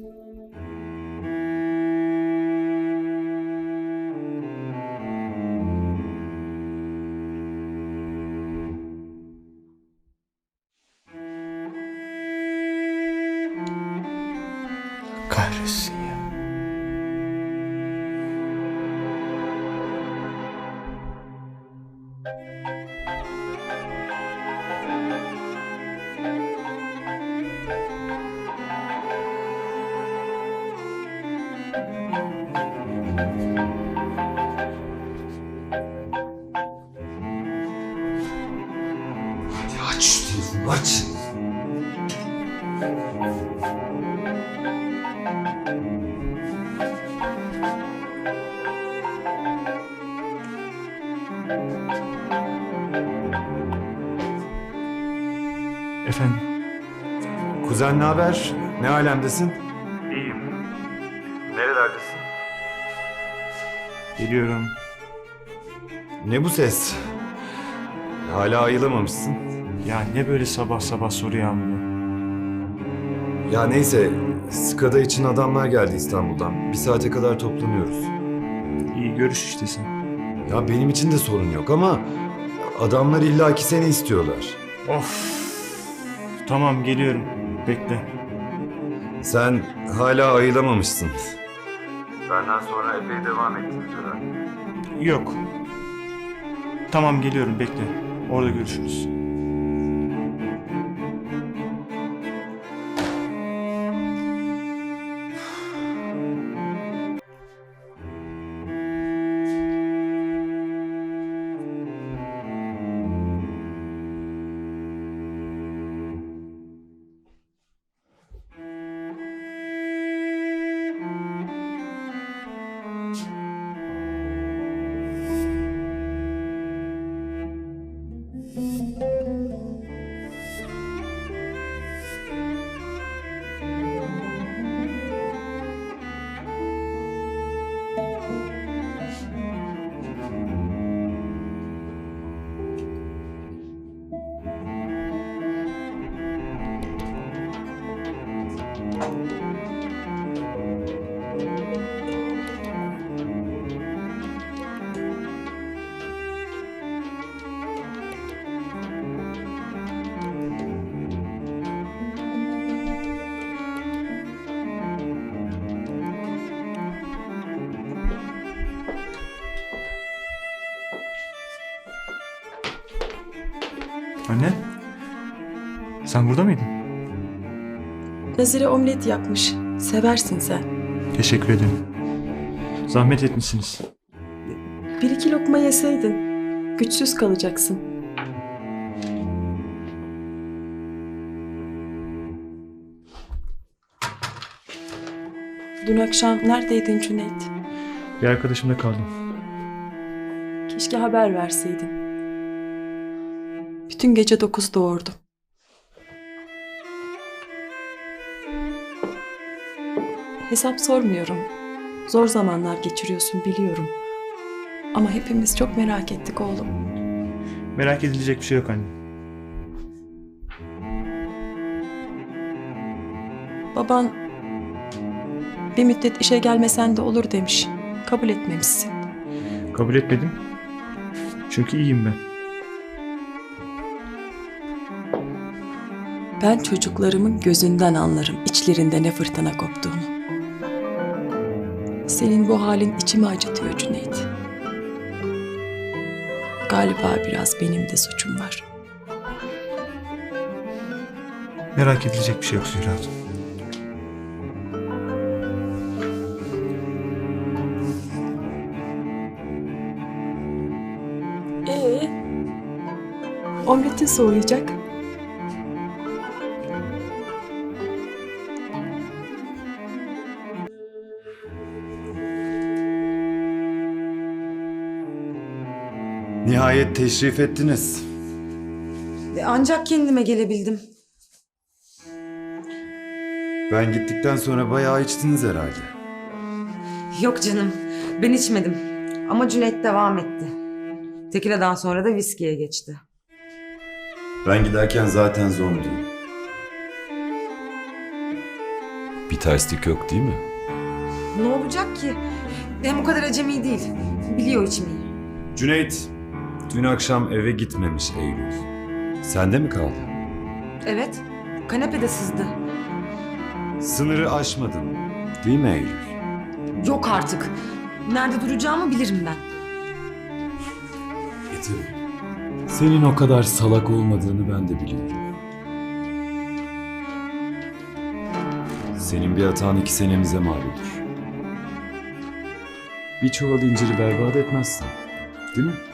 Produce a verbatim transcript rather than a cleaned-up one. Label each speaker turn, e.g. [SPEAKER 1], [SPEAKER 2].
[SPEAKER 1] Kahretsin ya.
[SPEAKER 2] Hadi aç şu telefonu, aç.
[SPEAKER 1] Efendim,
[SPEAKER 2] Kuzen ne haber? Ne alemdesin?
[SPEAKER 1] İyiyim.
[SPEAKER 2] Nerelerdesin?
[SPEAKER 1] Geliyorum.
[SPEAKER 2] Ne bu ses? Hala ayılamamışsın.
[SPEAKER 1] Ya ne böyle sabah sabah soru yağmuru?
[SPEAKER 2] Ya neyse, Skada için adamlar geldi İstanbul'dan. Bir saate kadar toplanıyoruz.
[SPEAKER 1] İyi, görüş işte sen.
[SPEAKER 2] Ya benim için de sorun yok ama adamlar illaki seni istiyorlar.
[SPEAKER 1] Of. Tamam, geliyorum. Bekle.
[SPEAKER 2] Sen hala ayılamamışsın. Benden sonra epey devam ettin tören.
[SPEAKER 1] Yok. Tamam, geliyorum, bekle. Orada görüşürüz. Anne? Sen burada mıydın?
[SPEAKER 3] Nazire omlet yapmış. Seversin sen.
[SPEAKER 1] Teşekkür ederim. Zahmet etmişsiniz.
[SPEAKER 3] Bir iki lokma yeseydin. Güçsüz kalacaksın. Dün akşam neredeydin Cüneyt?
[SPEAKER 1] Bir arkadaşımda kaldım.
[SPEAKER 3] Keşke haber verseydin. Bütün gece dokuz doğurdum. Hesap sormuyorum. Zor zamanlar geçiriyorsun biliyorum. Ama hepimiz çok merak ettik oğlum.
[SPEAKER 1] Merak edilecek bir şey yok anne.
[SPEAKER 3] Baban bir müddet işe gelmesen de olur demiş. Kabul etmemişsin.
[SPEAKER 1] Kabul etmedim. Çünkü iyiyim ben.
[SPEAKER 3] Ben çocuklarımın gözünden anlarım içlerinde ne fırtına koptuğunu. Senin bu halin içimi acıtıyor Cüneyt. Galiba biraz benim de suçum var.
[SPEAKER 1] Merak edilecek bir şey yok Zühre Hatun.
[SPEAKER 3] Ee, omletin soğuyacak.
[SPEAKER 2] Nihayet teşrif ettiniz.
[SPEAKER 4] Ancak kendime gelebildim.
[SPEAKER 2] Ben gittikten sonra bayağı içtiniz herhalde.
[SPEAKER 4] Yok canım, ben içmedim. Ama Cüneyt devam etti. Tekila'dan sonra da viskiye geçti.
[SPEAKER 2] Ben giderken zaten zombi. Bir terslik yok değil mi?
[SPEAKER 4] Ne olacak ki? Hem o kadar acemi değil. Biliyor içmeyi.
[SPEAKER 2] Cüneyt, dün akşam eve gitmemiş Eylül. Sende mi kaldı?
[SPEAKER 4] Evet. Kanepede sızdı.
[SPEAKER 2] Sınırı aşmadın, değil mi Eylül?
[SPEAKER 4] Yok artık. Nerede duracağımı bilirim ben.
[SPEAKER 2] E tabii. Senin o kadar salak olmadığını ben de biliyorum. Senin bir hatan iki senemize mal olur. Bir çuval inciri berbat etmezsin, değil mi?